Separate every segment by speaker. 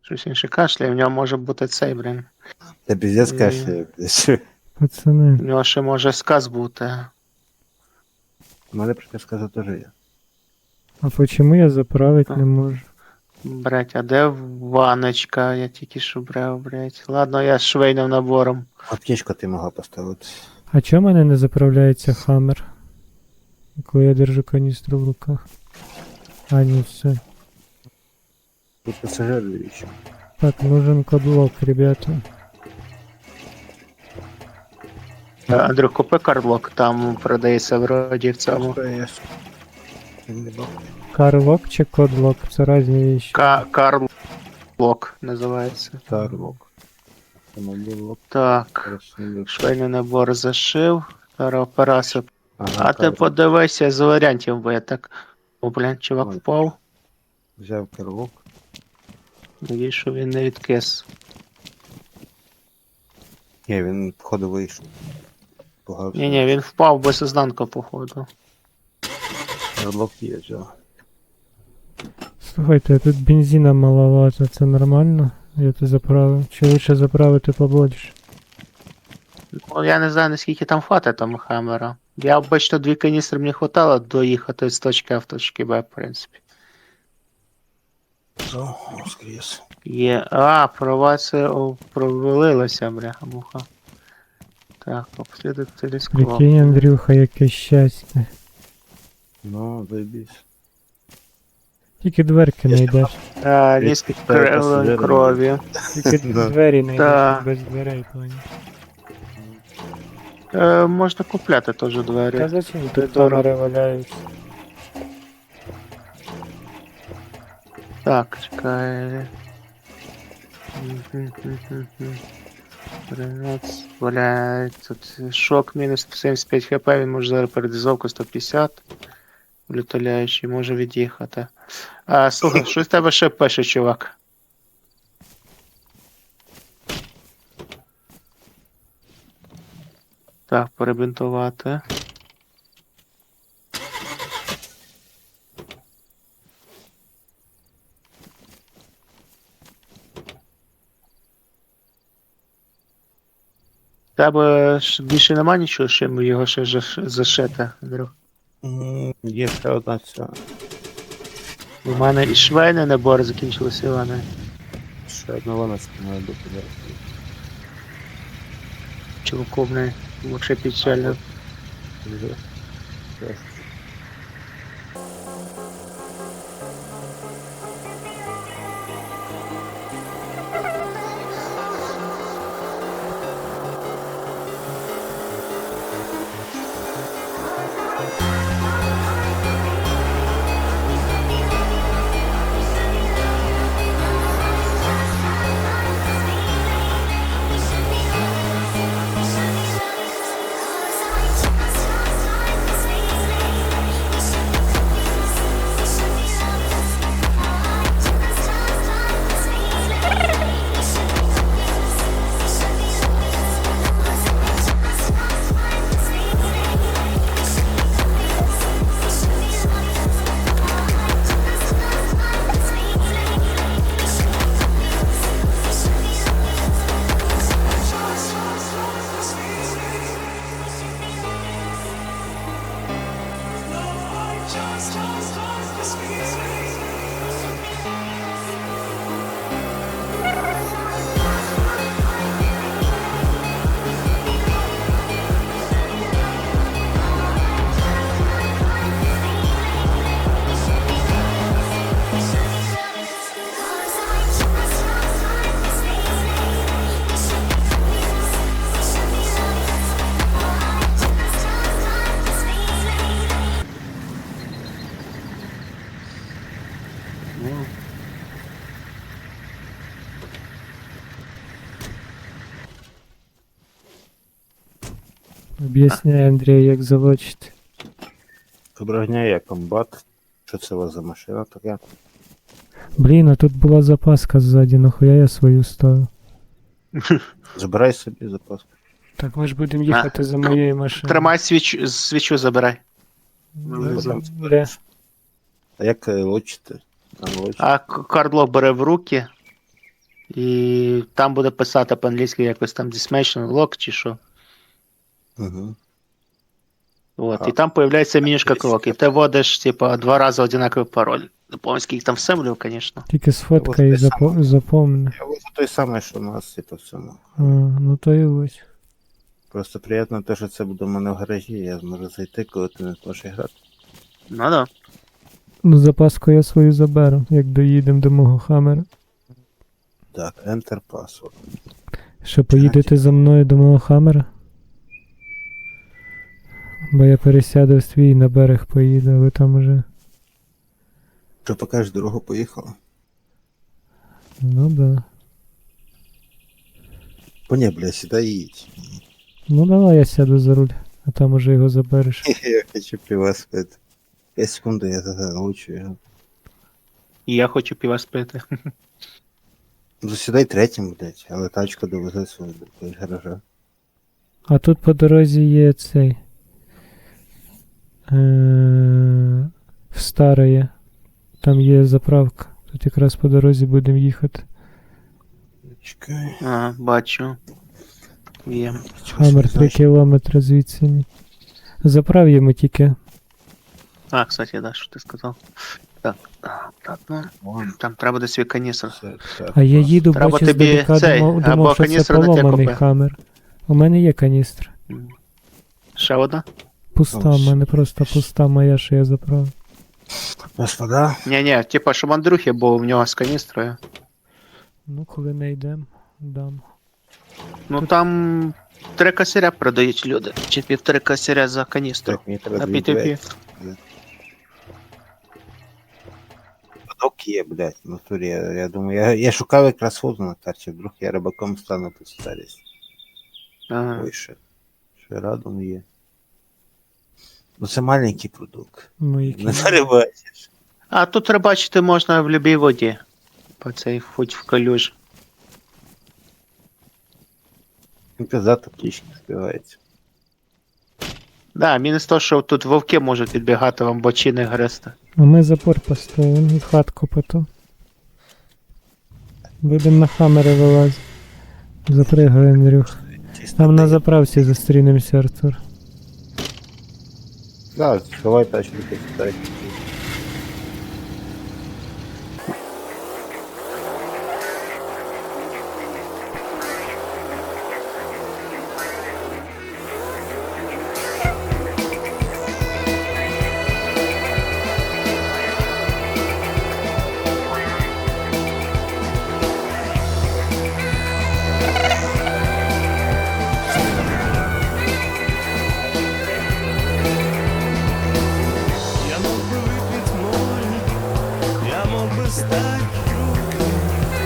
Speaker 1: Щось інше кашляє, в нього може бути цей, блін.
Speaker 2: Та піздець
Speaker 1: І-
Speaker 2: кашляє, блядь.
Speaker 3: Пацани.
Speaker 1: В нього ще може сказ бути.
Speaker 2: У мене приказ теж є.
Speaker 3: А почему я заправить не можу?
Speaker 1: Блять, а де ваночка? Я тільки що брав, блять. Ладно, я з швейним набором.
Speaker 2: Аптечку ти могла поставити.
Speaker 3: А чому в мене не заправляється хаммер? Коли я держу каністру в руках. А, ні, все.
Speaker 2: Тут пасажир ще.
Speaker 3: Так, нужен кодлок, ребята.
Speaker 1: Андрюх, купи кардлок, там продається вроді в цьому.
Speaker 3: Карлок чи кодлок? Це різні вещи.
Speaker 1: Карлок називається.
Speaker 2: Карлок. Самобілок.
Speaker 1: Так, швейний набор зашив. Зараз операцію. А ти подивися з варіантів, бо я так. О, блін, чувак
Speaker 2: Ой.
Speaker 1: впав.
Speaker 2: Взяв карлок.
Speaker 1: Надіюсь, що він не відкис.
Speaker 2: Ні, він походу вийшов. Погався.
Speaker 1: Ні, він впав без ознанка, походу.
Speaker 2: Карлок є, взяв.
Speaker 3: Слухайте, а тут бензина маловато, це нормально? Я тут заправив. Чи лучше заправити побольше?
Speaker 1: Ну, я не знаю, наскільки там хватить там хаммера. Я обично 2 каністри мені хватало доїхати з точки А в точки Б, в принципі.
Speaker 2: О, воскрес.
Speaker 1: Є. А, провалилося, бляха-муха. Так, обслідуй телескоп.
Speaker 3: Прикинь, Андрюха, яке щастя.
Speaker 2: Ну, заебись.
Speaker 3: Тільки дверки не йдеш.
Speaker 1: Низький
Speaker 2: пасажири.
Speaker 1: крові.
Speaker 3: Тільки
Speaker 2: Да.
Speaker 3: двері не
Speaker 1: Да.
Speaker 3: йдеш, без дверей, понял.
Speaker 1: Можна купляти теж
Speaker 3: Та
Speaker 1: двері.
Speaker 3: зачем
Speaker 1: Ти
Speaker 3: тут
Speaker 1: дорого.
Speaker 3: товари валяються?
Speaker 1: Так, чекай. 13, валяє, тут шок мінус 75 хп, він може зараз передізовку 150. Лютоляючий, може від'їхати. Слухай, що з тебе ще пише, чувак? Так, перебинтувати. Тебе ж більше нема нічого, чим його ще зашити, Андрюх?
Speaker 2: Є ще одна ця.
Speaker 1: У мене і швейний набор закінчилися, Іване.
Speaker 2: Ще одна вона має бути.
Speaker 1: Чуваку, блин, вообще печально.
Speaker 2: Вже. Зараз.
Speaker 3: Об'ясняй, Андрій, як залочити.
Speaker 2: Доброго дня, я комбат. Що це у вас за машина така?
Speaker 3: Блін, а тут була запаска ззаді, нахуя я свою ставив?
Speaker 2: Забирай собі запас.
Speaker 3: Так ми ж будемо їхати за моєю машиною.
Speaker 1: Тримай свічу забирай.
Speaker 3: Де?
Speaker 2: А як лочити? Там лочити.
Speaker 1: А кардло бере в руки І там буде писати по-англійськи якось там Dismension Lock чи що.
Speaker 2: Угу.
Speaker 1: От,
Speaker 2: Ага.
Speaker 1: і там появляється менюшка
Speaker 2: Десь
Speaker 1: крок, і
Speaker 2: я
Speaker 1: ти вводиш, типа, 2 рази одинаковий пароль. Не помню, скільки там все влив, звісно.
Speaker 3: Тільки сфоткай і запомни.
Speaker 2: Я вот той самий, що у нас, типу, в цьому.
Speaker 3: А, ну то і ось.
Speaker 2: Просто приємно те, що це буде в мене в гаражі, я зможу зайти, коли ти не зможеш грати.
Speaker 1: Ну да.
Speaker 3: Ну, запаску я свою заберу, як доїдемо до мого хамера.
Speaker 2: Так, Enter password.
Speaker 3: Що поїдете за мною до мого хамера? Бо я пересяду в свій на берег поїду, а ви там уже.
Speaker 2: Що покажеш дорогу, поїхала?
Speaker 3: Ну да.
Speaker 2: О, ні, бля, сідай і їдь.
Speaker 3: Ну давай я сяду за руль, а там уже його забереш.
Speaker 2: Я хочу пива спити. 5 секунд, я загалучу його.
Speaker 1: І я хочу піва спити.
Speaker 2: Засідай третім, блядь, але тачка довезе свою до гаража.
Speaker 3: А тут по дорозі є цей. В Староє. Там є заправка. Тут якраз по дорозі будемо їхати.
Speaker 2: Чекай.
Speaker 1: А, бачу. Є.
Speaker 3: Хамер 3 кілометри звідси. Ні. Заправ'ємо тільки.
Speaker 1: А, кстати, да, що ти сказав. Так, так, ну. Там треба буде свій каністр.
Speaker 3: А я їду,
Speaker 1: Треба
Speaker 3: бачу,
Speaker 1: тобі
Speaker 3: здалека,
Speaker 1: цей,
Speaker 3: думав,
Speaker 1: або
Speaker 3: що це
Speaker 1: каністр на те
Speaker 3: поломаний
Speaker 1: купи.
Speaker 3: хамер. У мене є каністр.
Speaker 1: Ще одна?
Speaker 3: Пуста,
Speaker 2: Ось.
Speaker 3: в мене просто пуста моя, що я заправив.
Speaker 2: Господа,
Speaker 1: Ні-ні, типа, щоб Андрюхи був в нього з каністрою.
Speaker 3: Ну, коли не йдемо, дам.
Speaker 1: Ну там 3 косаря продають люди. Чи 1,5 косаря за каністру.
Speaker 2: так, мені треба
Speaker 1: На
Speaker 2: дві
Speaker 1: PTP.
Speaker 2: двері. Подок є, блядь, в натурі. Я думаю, я шукав якраз фото на карті, вдруг я рибаком стану тут старість.
Speaker 1: Ага.
Speaker 2: Ой, ще радом є. Ну це маленький продукт.
Speaker 3: Ну, які...
Speaker 2: Не зарибайся.
Speaker 1: А тут рибачити можна в любій воді. По цей хоч в калюж.
Speaker 2: Казати птічки співається.
Speaker 1: Да, мінус то, що тут вовки можуть відбігати вам бочини грести.
Speaker 3: А ми запор поставимо і хатку потім. Будемо на хамери вилазити. Запригай, Андрюх. Там на заправці зустрінемося, Артур.
Speaker 2: Да, сховай тачку, ти сідай.
Speaker 4: Я мог бы выпить море, я мог бы стать другом,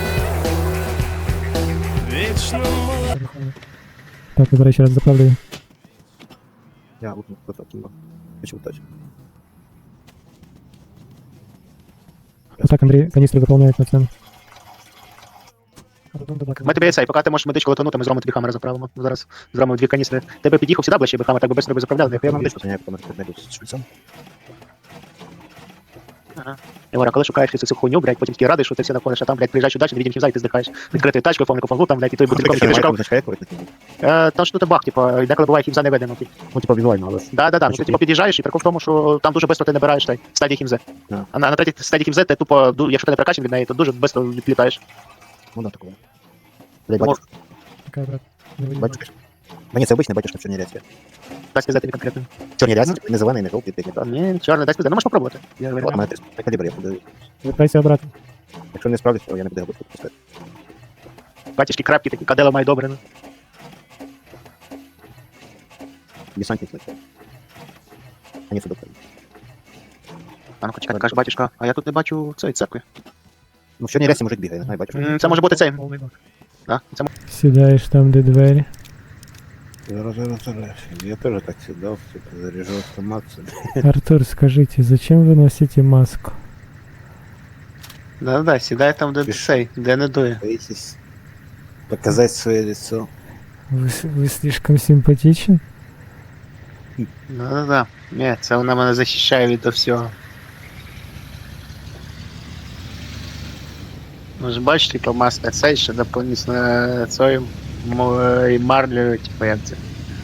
Speaker 4: вечно молодым.
Speaker 3: Так, я, до речі, раз заправлю.
Speaker 2: Я лупну потім. Хочу тачку.
Speaker 3: А так, Андрій, каністри заповняють на це.
Speaker 1: Ми тобі цей, поки ти можеш медичку летанути, ми зробимо тобі хамера заправимо. Зараз зробимо 2 каністри. Тебе під'їхав сюди ближче, би хамер, так би швидко би заправляли, нехуя нам медичку.
Speaker 2: Я помер з швидцем.
Speaker 1: Ігора, коли шукаєш цю хуйню, блядь, потім такий радий, що ти все знаходиш, а там, блядь, приїжджаєш удачі, невідім хімза, і ти здихаєш. Відкрити тачку, повний купон, там, блядь, і той бутильком який ти шукав. Там ж тут баг, типу, деколи буває хімза не видно.
Speaker 2: Ну, типа візуально, але...
Speaker 1: Да, ну ти типу під'їжджаєш, і прикол в тому, що там дуже швидко ти набираєш той стадії хімзи.
Speaker 2: Да.
Speaker 1: А на третій стадії хімзи ти тупо, якщо ти не прокачаний від неї, то дуже швидко відлітаєш.
Speaker 2: Ну, да, такого. Блядь,
Speaker 1: Тому-
Speaker 2: батюшка.
Speaker 3: Така, брат.
Speaker 2: Батюшка. Мені це обичний батюшка в чорній рясі.
Speaker 1: Дай сказати тобі конкретно.
Speaker 2: В чорній рясі, не зелений, не жовтий, не так.
Speaker 1: Ні, чорний, дай сказати, ну можеш попробувати. Я
Speaker 2: От
Speaker 1: вирішую.
Speaker 2: мене 3 калібр, я буду...
Speaker 3: Вертайся обратно.
Speaker 2: Якщо не справлюсь, то я не буду його пускати.
Speaker 1: Батюшки крапки такі, кадела має добре. Ну.
Speaker 2: Десантник летить. А не судоплей.
Speaker 1: А ну чекай, каже батюшка, а я тут не бачу цієї церкви.
Speaker 2: Ну, в чорній рясі мужик бігає, не знаю, батюшка.
Speaker 1: Це може бути цей. Да? Це
Speaker 3: Сідаєш там, де двері.
Speaker 2: Зараз. Я теж так сідав, типу, заряжу автомат собі.
Speaker 3: Артур, скажите, зачем вы носите маску?
Speaker 1: Да, сідай там, де
Speaker 2: Пішов.
Speaker 1: цей, де не дує.
Speaker 2: Боитесь показать свое лицо.
Speaker 3: Вы слишком симпатичен?
Speaker 1: Да. Ні, це вона мене захищає від всього. Може бачиш, типу, маска цей, що доповнительно цією і марлею, типу, як це.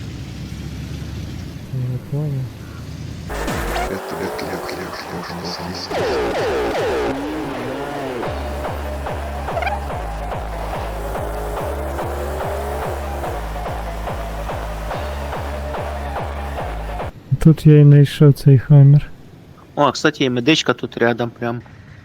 Speaker 3: Я не понял. Тут я і знайшов цей хаммер.
Speaker 1: О, кстати, і медичка тут рядом прям.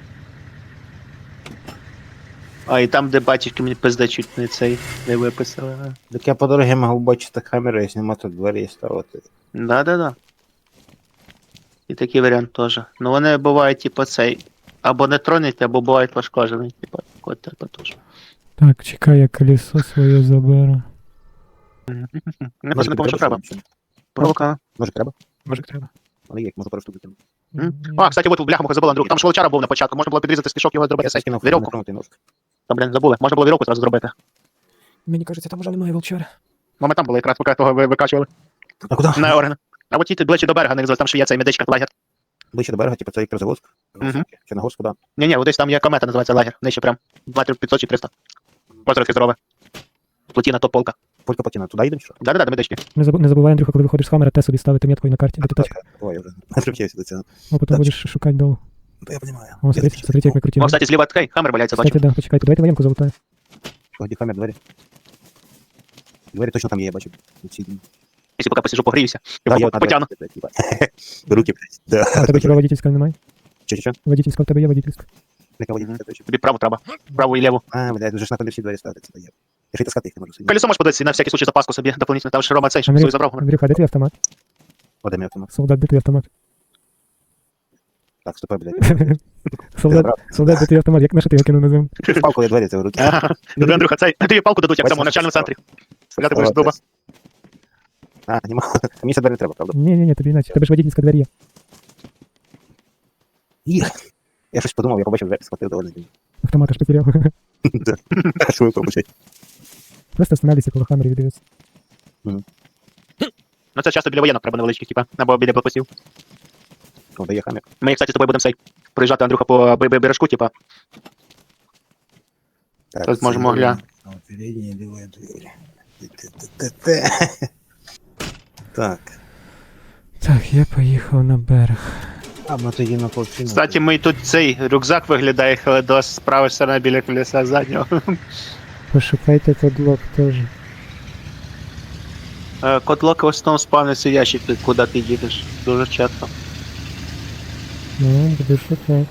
Speaker 1: А, і там, де батьківки мені пизда чуть не цей, не виписали. а.
Speaker 2: Так я по дорозі можу бачити камеру, якщо нема тут двері ставити.
Speaker 1: Да-да-да. І такий варіант теж. Ну вони бувають, типу, цей. Або не тронуть, або бувають пошкоджені, типу, код тебе теж.
Speaker 3: Так, чекай, я колесо своє заберу.
Speaker 1: Не просто не помню, що треба. Провока.
Speaker 2: Може треба?
Speaker 1: Може треба.
Speaker 2: Але як, можу пару штук викинути.
Speaker 1: А, кстати, от бляха забула, Андрюх. Там ж волчара був на початку, можна було підрізати стишок його зробити цей.
Speaker 2: скинув
Speaker 1: Вірьовку.
Speaker 2: нетронутий нож.
Speaker 1: Та, блін, забули. Можна було вірьовку зразу зробити.
Speaker 3: Мені кажеться, там вже немає волчара.
Speaker 1: Ну, ми там були якраз, поки того викачували.
Speaker 2: А куди?
Speaker 1: На Орен. А от їдьте ближче до берега, не там ще є цей медичка, лагер.
Speaker 2: Ближче до берега, типу це Електрозаводськ.
Speaker 1: Мгм.
Speaker 2: Чорногорськ, куди?
Speaker 1: Ні-ні, от десь там є комета, називається лагер. Нижче прям. Метрів 500 чи 300. Озеро здорове. Плотіна, топ-полка.
Speaker 2: Полька Патіна, туди їдемо чи що?
Speaker 1: Да-да-да, до медички.
Speaker 3: Не забувай, Андрюха, коли виходиш з хамера, те собі ставити меткою на карті, де ти точка.
Speaker 2: Ой, я вже не привчився до цього.
Speaker 3: А потім
Speaker 2: Так.
Speaker 3: будеш шукати долу.
Speaker 2: Та я розумію.
Speaker 3: О, смотрите, як ми крутили.
Speaker 1: О, кстати, зліва такий хаммер валяється, бачу.
Speaker 3: Кстати, да, почекайте, давайте воєнку залутаю.
Speaker 2: Ході камер, двері. Двері точно там є, я бачу. Ці-
Speaker 1: Якщо поки посижу, погріюся.
Speaker 2: Да, я
Speaker 1: Потягну.
Speaker 2: Руки, блядь. Да.
Speaker 3: А в тебе хіба водительська немає?
Speaker 2: Що?
Speaker 3: Водительська в тебе є водительська.
Speaker 2: Яка водительська точно?
Speaker 1: Тобі праву треба. Праву і ліву.
Speaker 2: А, блядь, вже ж на всі двері ставити, це дає. Я ще й таскати їх не можу собі.
Speaker 1: Колесо можеш подивитися на всякий случай запаску собі дополнительно. Там ж Рома цей, щоб
Speaker 3: Андрюх,
Speaker 1: свою забрав.
Speaker 3: Андрюха, де твій автомат?
Speaker 2: О, де мій автомат?
Speaker 3: Солдат, де твій автомат?
Speaker 2: Так, стопай, блядь.
Speaker 3: Солдат, де твій автомат? Як на що ти його кинув на землю?
Speaker 2: Палку я двері це в руки.
Speaker 1: Ага. Тобі, Андрюха, цей. Тобі палку дадуть, як в цьому навчальному центрі. Стріляти будеш з дуба.
Speaker 2: А, нема. Мені це двері не треба, правда?
Speaker 3: Ні, тобі іначе. Тебе ж водительська двері є.
Speaker 2: Їх. Я щось подумав, я побачив двері, схватив доволі.
Speaker 3: Автомата ж потеряв.
Speaker 2: А що ви побачите?
Speaker 3: Просто останавливайся коло хамерів і дивись.
Speaker 1: Ну це часто біля воєнок треба невеличких, типа, або біля блокпостів.
Speaker 2: О, де є хамер.
Speaker 1: Ми, кстати, з тобою будемо цей проїжджати, Андрюха, по бережку, типа.
Speaker 2: Так,
Speaker 1: Тут можемо глянути.
Speaker 2: Передні лівої двері. Так.
Speaker 3: Так, я поїхав на берег.
Speaker 2: А, ми тоді на полчину.
Speaker 1: Кстати, ми тут цей рюкзак виглядає Хеледос з правої сторони біля колеса заднього.
Speaker 3: Пошукайте кодлок теж.
Speaker 1: Кодлоки в основному спавниться ящик, куди ти їдеш. Дуже часто.
Speaker 3: Ну, буду шукати.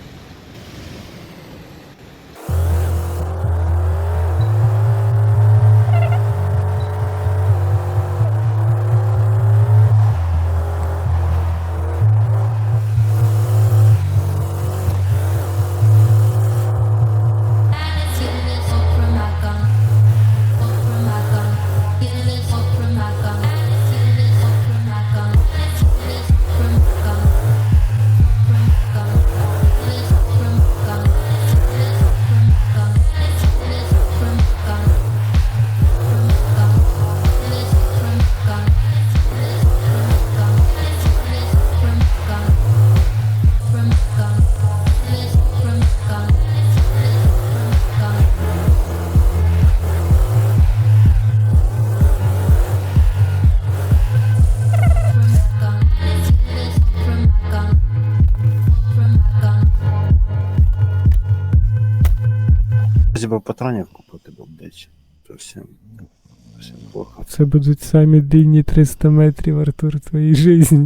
Speaker 2: Бо патронів купити, бо, блядь, совсем плохо.
Speaker 3: Це будуть самі дивні 300 метрів, Артур, в твоїй житті.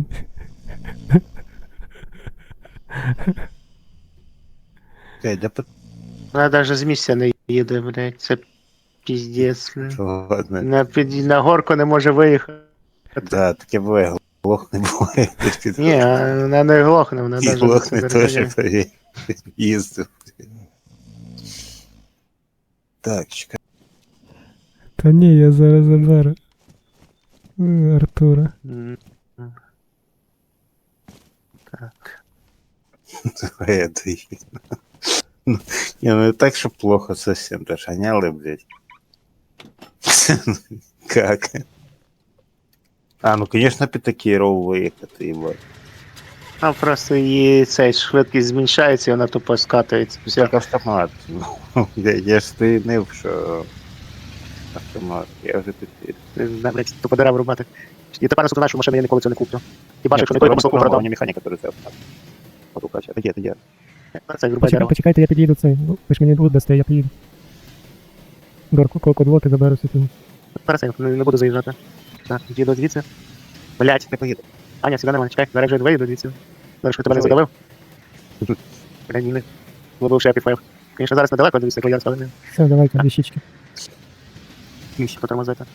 Speaker 2: Окей, де патронів?
Speaker 1: Вона навіть з місця не їде, блядь, це піздець.
Speaker 2: Ладно.
Speaker 1: На горку не може виїхати.
Speaker 2: Да, таке буває, глох не буває.
Speaker 1: Ні, вона не глохне, вона
Speaker 2: І
Speaker 1: навіть
Speaker 2: глох не
Speaker 1: не
Speaker 2: теж їздив. Так, чекай.
Speaker 3: Та ні, я зараз заберу. Артура.
Speaker 1: Так.
Speaker 2: Давай я доїду. Не, ну так, что плохо совсем. Даже гоняли, блядь. Как? А, ну конечно, Пятаки Роу выехать, ебать.
Speaker 1: Там просто її цей швидкість зменшається, і вона тупо скатується. Все.
Speaker 2: Як автомат. Ну, я ж стинив, що автомат. Я вже підпір.
Speaker 1: Не, блядь, тупо дерев рубати. І тепер наступна, що машину я ніколи цього не куплю. Хіба що не той ромасовку продав.
Speaker 2: Мені механіка, який це автомат. Потукача. Таке.
Speaker 1: Це врубай дерево.
Speaker 3: Почекайте, я під'їду цей. Ну, ви ж мені тут дасте, я під'їду. Горку, кодлоти заберу собі.
Speaker 1: Зараз я не буду заїжджати. Так, їду звідси. Блять,
Speaker 2: Не поїду.
Speaker 1: Аня, сюди нормально, чекай, зараз вже виїду звідси. Зараз що тебе не задавив? Блядь, ні. Було б ще піфаїв. Звісно, зараз недалеко, дивіться, як я розставлений.
Speaker 3: Все, давайте, дві щічки.
Speaker 1: Ще потормозити.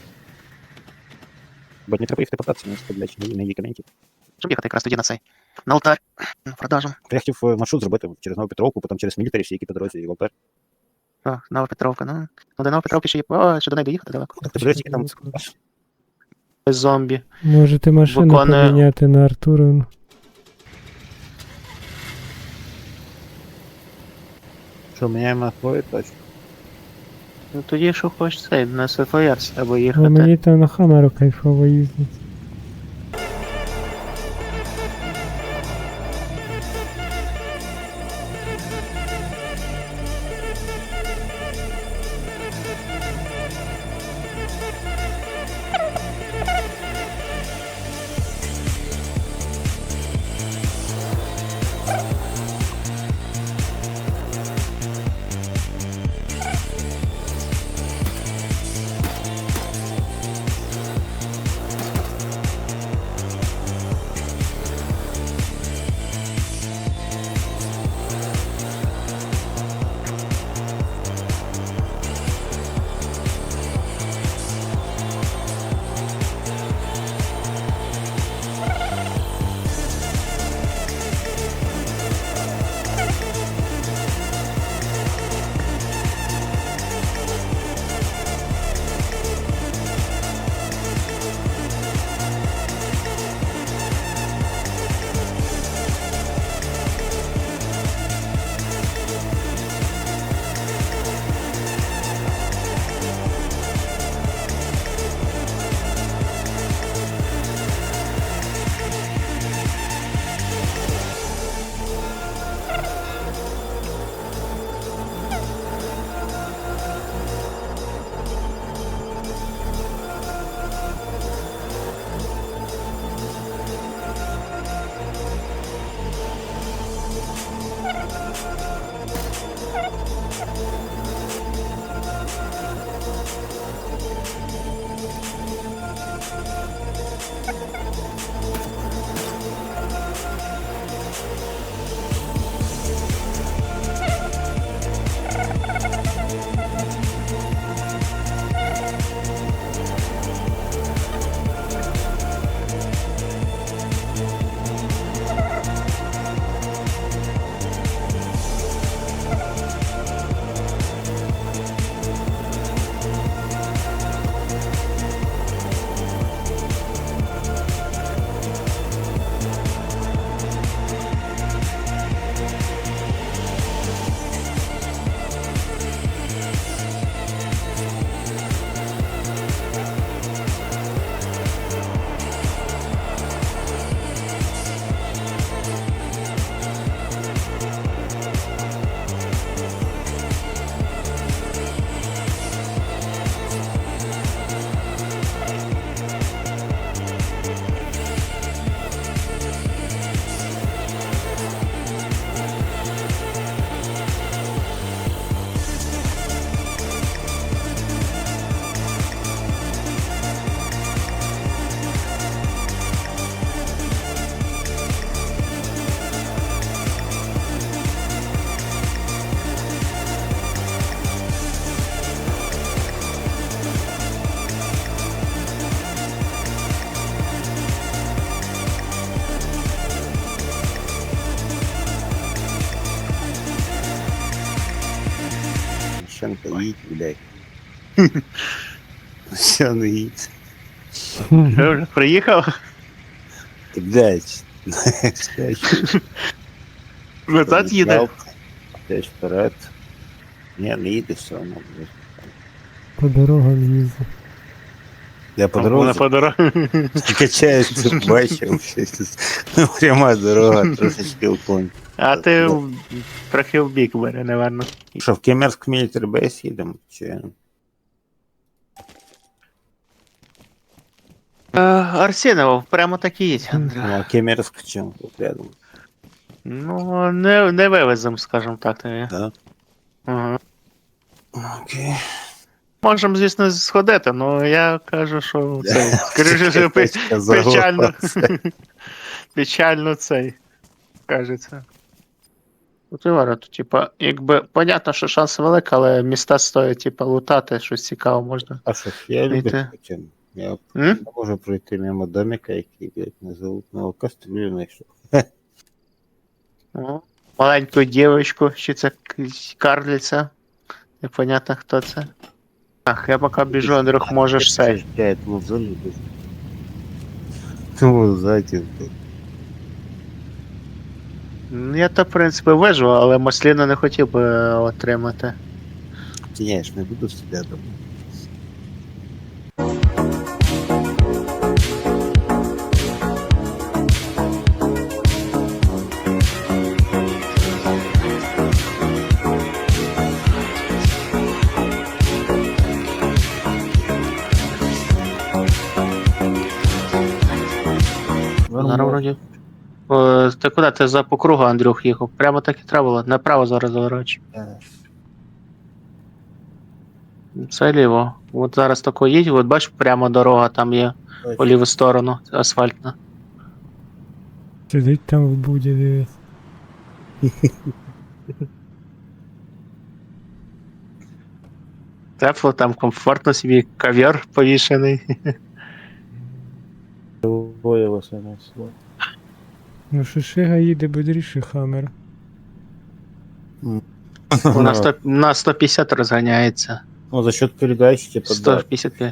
Speaker 2: Бо не треба їх тепататися, не стріляти на її камінки.
Speaker 1: Щоб їхати якраз тоді на цей. На алтарь. На продажу.
Speaker 2: Я хотів маршрут зробити через Новопетровку, потім через мілітарі, всі які по дорозі, і в алтар.
Speaker 1: О, Нова Петровка, ну. Ну, до Новопетровки ще є. О, ще до неї доїхати далеко.
Speaker 2: Так, ти подивись, які там
Speaker 1: Без зомбі.
Speaker 3: Можете машину
Speaker 1: Виконує-
Speaker 3: поміняти на Артурину.
Speaker 2: Що, міняємо твою точку?
Speaker 1: Ну тоді що хочеш цей, на СФР або
Speaker 3: А
Speaker 1: їхати.
Speaker 3: мені там на Хамеру кайфово їздить.
Speaker 2: Машинка їдь, блядь. Все, не їдь.
Speaker 1: Ти вже приїхав?
Speaker 2: Ти, блядь.
Speaker 1: Назад їде?
Speaker 2: Десь вперед. Ні, не їде все одно, блядь.
Speaker 3: По дорогам їздить.
Speaker 2: Я по
Speaker 1: Вона
Speaker 2: дорозі
Speaker 1: по дорозі.
Speaker 2: качаюся, бачив щось. Пряма дорога, трошечки уклон.
Speaker 1: А ти трохи в бік бери, напевно.
Speaker 2: Що, в Кемерськ Military Base їдемо? Чи...
Speaker 1: Арсенов, прямо так і їдь,
Speaker 2: Ну,
Speaker 1: Андрій.
Speaker 2: а Кемерськ чим? Тут рядом.
Speaker 1: Ну, не вивезем, скажімо так тобі.
Speaker 2: Да?
Speaker 1: Ага.
Speaker 2: Окей.
Speaker 1: Можемо, звісно, сходити, але я кажу, що це, скоріше, що печально. Печально цей, кажеться. От і говорю, то, типа, якби, понятно, що шанс великий, але міста стоїть, типа, лутати, щось цікаве можна.
Speaker 2: А що ж, я люблю
Speaker 1: Це-
Speaker 2: потім. Я
Speaker 1: М?
Speaker 2: не можу пройти мимо домика, який, блядь, не залутного кастрюлю знайшов.
Speaker 1: О, маленьку дівчинку, чи це карлиця. Непонятно, хто це. Так, я поки біжу, Андрюх, можеш сей.
Speaker 2: Я этому залюбив. Ну, зайти.
Speaker 1: Я то, в принципі, вижу, але масліну не хотів би отримати.
Speaker 2: Я ж не буду себе дома.
Speaker 1: Зараз вроді. Ти куди? Ти за по кругу, Андрюх, їхав. Прямо так і треба було. Направо зараз заворачу. Це ліво. От зараз тако їдь, от бачиш, прямо дорога там є по ліву сторону, асфальтна.
Speaker 3: Сидить там в буді, дивись.
Speaker 1: Тепло, там комфортно собі, ковер повішений.
Speaker 2: Двоє вас несло.
Speaker 3: Ну, Шишига їде бодріше Хаммер.
Speaker 1: На 150 розганяється.
Speaker 2: Ну, за счет передач, типа, да.
Speaker 1: 155.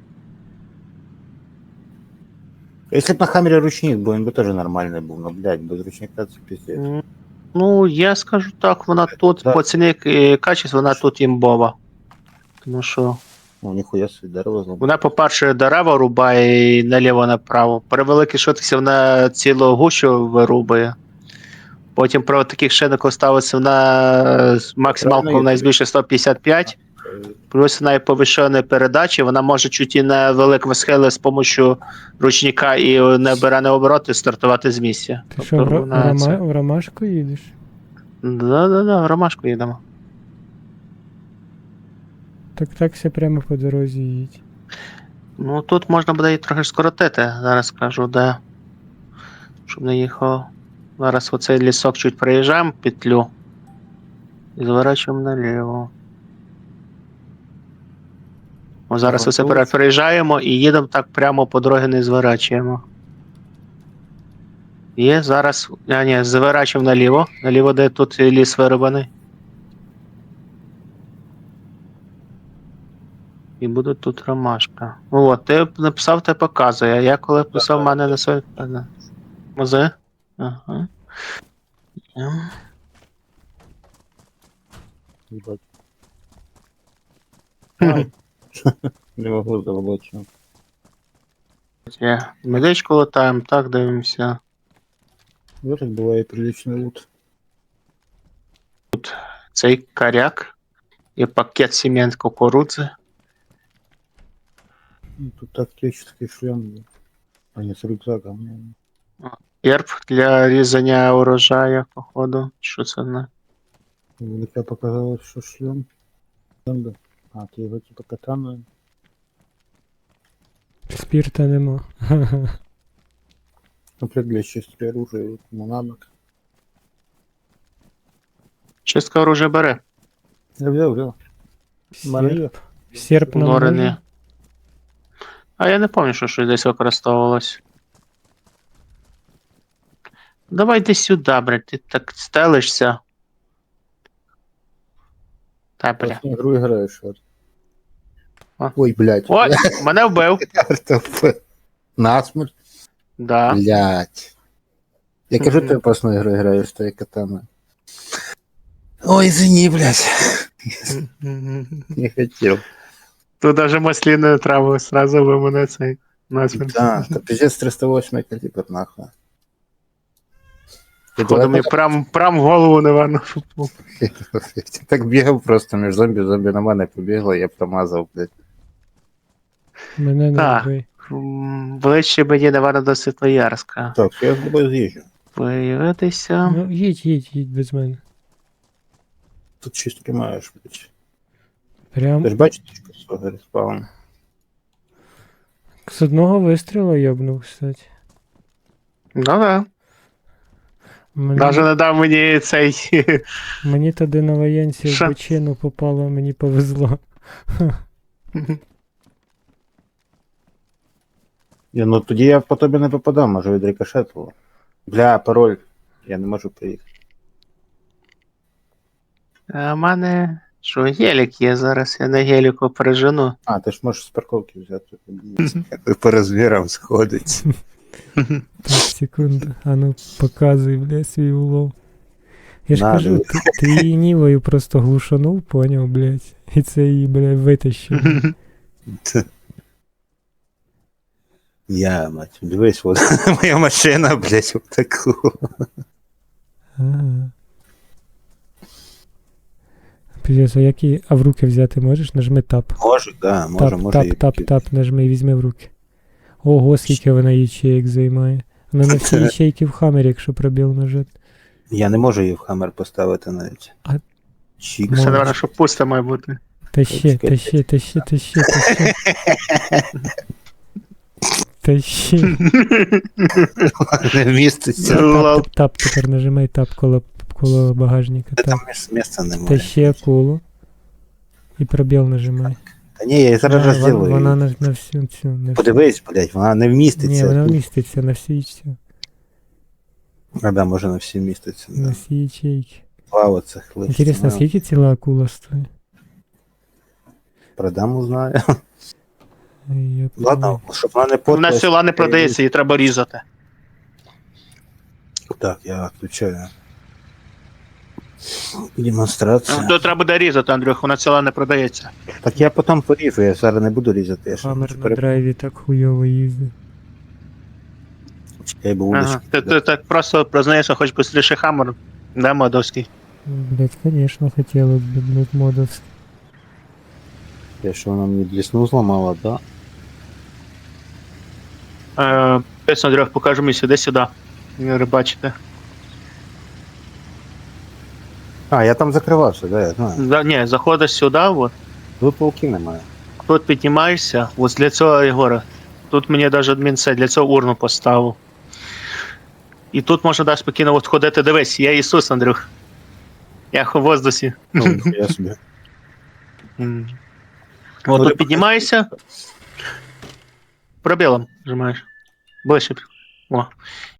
Speaker 2: Если бы на Хаммере ручник был, он бы тоже нормальный был, но, блядь, без ручника это пиздец.
Speaker 1: Ну, я скажу так, вона тут,
Speaker 2: Да.
Speaker 1: по ціні качества, вона тут імбова. Тому що
Speaker 2: Ну, нихуя себе, дерево знал.
Speaker 1: вона, по-перше, дерева рубає і наліво-направо. При великій швидкості вона цілу гущу вирубає. Потім при таких шинах ставиться вона максималку вона збільшує 155. Плюс вона і повищена передачі, вона може чуть і на великому схилі з допомогою ручника і набиране обороти стартувати з місця.
Speaker 3: Ти що, в,
Speaker 1: вона це-
Speaker 3: в Ромашку їдеш?
Speaker 1: Да, в Ромашку їдемо.
Speaker 3: Так ся прямо по дорозі їдь.
Speaker 1: Ну тут можна буде її трохи скоротити, зараз скажу, де. Щоб не їхав. Зараз оцей лісок чуть проїжджаємо петлю. І зворачуємо наліво. О, зараз оце переїжджаємо і їдемо так прямо по дорозі не зворачуємо. Є, зараз. А, ні, зворачуємо наліво. Наліво, де тут ліс вирубаний. І буде тут ромашка. О, ти написав, ти показує. А я коли писав, в мене на своє. Мози? Ага.
Speaker 2: Ебать.
Speaker 1: Хм.
Speaker 2: Не могу заработать.
Speaker 1: Є. Медичку латаємо, так дивимося.
Speaker 2: В этом бывает приличный лут.
Speaker 1: Цей коряк. І пакет сім'ян кукурудзи.
Speaker 2: Ну, тут тактический шлем. А не с рюкзаком.
Speaker 1: Герб для різання урожаю, походу. Що це не?
Speaker 2: Мне показалось, что шлем. Да. А, ты его типа катану.
Speaker 3: Спірта нема.
Speaker 2: Комплект для чистки оружия. Вот, ну, навык.
Speaker 1: Чистка оружия бере.
Speaker 2: Я взял.
Speaker 3: Серп. Серп нам
Speaker 1: Норини.
Speaker 3: може?
Speaker 1: А я не пам'ятаю, що щось десь використовувалось. Давай йди сюди, блядь, ти так стелишся. Та, бля.
Speaker 2: В игру играешь. Вот.
Speaker 1: А.
Speaker 2: Ой, блядь.
Speaker 1: Ой, мене вбив.
Speaker 2: Насмерть.
Speaker 1: Да.
Speaker 2: Блядь. Я кажу, ты опасную игру играешь, что я катана. Ой, извини, блядь. Не хотел.
Speaker 1: Тут даже масліною травою сразу ви мене цей назвем.
Speaker 2: Да, та пиздец 308 калібр, нахуй. Ти
Speaker 1: Походу,
Speaker 2: давай
Speaker 1: мені прям в голову, напевно.
Speaker 2: так- так бігав просто між зомбі на мене побігло, я промазав, блядь.
Speaker 3: Мене не
Speaker 1: Так.
Speaker 3: вбий.
Speaker 1: Ближче мені, напевно, до Світлоярська.
Speaker 2: Так, я з тобою з'їжджу.
Speaker 1: Появитися.
Speaker 3: Ну, їдь без мене.
Speaker 2: Тут щось тримаєш, блядь.
Speaker 3: Прям
Speaker 2: Ти ж бачиш, що свого респаун?
Speaker 3: з одного вистрілу йобнув, кстати.
Speaker 1: Ну да. Даже не дав мені цей.
Speaker 3: Мені тоді на воєнці в
Speaker 1: Ша.
Speaker 3: бочину попало, мені повезло.
Speaker 2: Ну тоді я по тобі не попадав, може від рикошету. Бля, пароль. Я не можу приїхати.
Speaker 1: А в мене. Що, гелік є зараз, я на геліку пережену.
Speaker 2: А, ти ж можеш з парковки взяти. По розмірам сходить.
Speaker 3: Так, секунду. А ну, показуй, бля, свій улов. Я ж
Speaker 2: Надо.
Speaker 3: кажу, ти її нівою просто глушанув, поняв, блядь. І це її, блядь, витащив.
Speaker 2: Я, мать, дивись, от моя машина, блядь, вот таку.
Speaker 3: Ага. Піздець, а які, а в руки взяти можеш? Нажми тап.
Speaker 2: Можу, да, може,
Speaker 3: Тап, нажми і візьми в руки. Ого, скільки вона ячеїк займає. Вона на всі ячейки в хамері, якщо пробіл нажати.
Speaker 2: Я не можу її в хаммер поставити навіть.
Speaker 3: А-
Speaker 2: Чік.
Speaker 1: Це, напевно, що пусто має бути.
Speaker 3: Тащи. Тащи.
Speaker 2: Не вміститься.
Speaker 3: Тап, тепер нажимай тап коло багажника.
Speaker 2: Та
Speaker 3: Тап.
Speaker 2: там місця немає.
Speaker 3: Тащи акулу. І пробіл нажимай.
Speaker 2: Та ні, я її зараз
Speaker 3: А,
Speaker 2: розділую.
Speaker 3: Вона на всю цю. На всю.
Speaker 2: Подивись, блядь, вона не вміститься.
Speaker 3: Ні, вона вміститься на всі ячейки.
Speaker 2: А, да, може на всі вміститься.
Speaker 3: На
Speaker 2: Да.
Speaker 3: всі ячейки.
Speaker 2: Два оцих лише.
Speaker 3: Інтересно, скільки ціла акула стоїть?
Speaker 2: Продам, узнаю.
Speaker 3: Я
Speaker 2: Ладно, щоб вона не
Speaker 1: Вона
Speaker 2: портилась.
Speaker 1: села не продається, її треба різати.
Speaker 2: Так, я відключаю. Демонстрація.
Speaker 1: То треба буде різати, Андрюх, вона ціла не продається.
Speaker 2: Так я потім поріжу, я зараз не буду різати. Я ще
Speaker 3: Хаммер
Speaker 2: хочу
Speaker 3: на драйві так хуйово їздить.
Speaker 2: Чекай, бо
Speaker 1: Ага.
Speaker 2: удочку.
Speaker 1: Ти так просто признаєшся, хоч швидше хаммер. Да, модовський.
Speaker 3: Блять, конечно, хотіло б, блять, модовський.
Speaker 2: Я що вона мені блісну зламала, да?
Speaker 1: Пець, Андрюх, покажу мені сюди. Рибачите.
Speaker 2: А, я там закривався, да, я знаю.
Speaker 1: Ні, заходиш сюди, от.
Speaker 2: Тут пауків немає.
Speaker 1: Тут піднімаєшся, ось для цього, Єгора. Тут мені навіть адмін це для цього урну поставив. І тут можна далі спокійно от ходити. Дивись, я Ісус, Андрюх. Я в воздусі.
Speaker 2: Ну, я собі.
Speaker 1: От
Speaker 2: Ну,
Speaker 1: тут піднімаєшся. Пробілом нажимаєш. Ближче. О.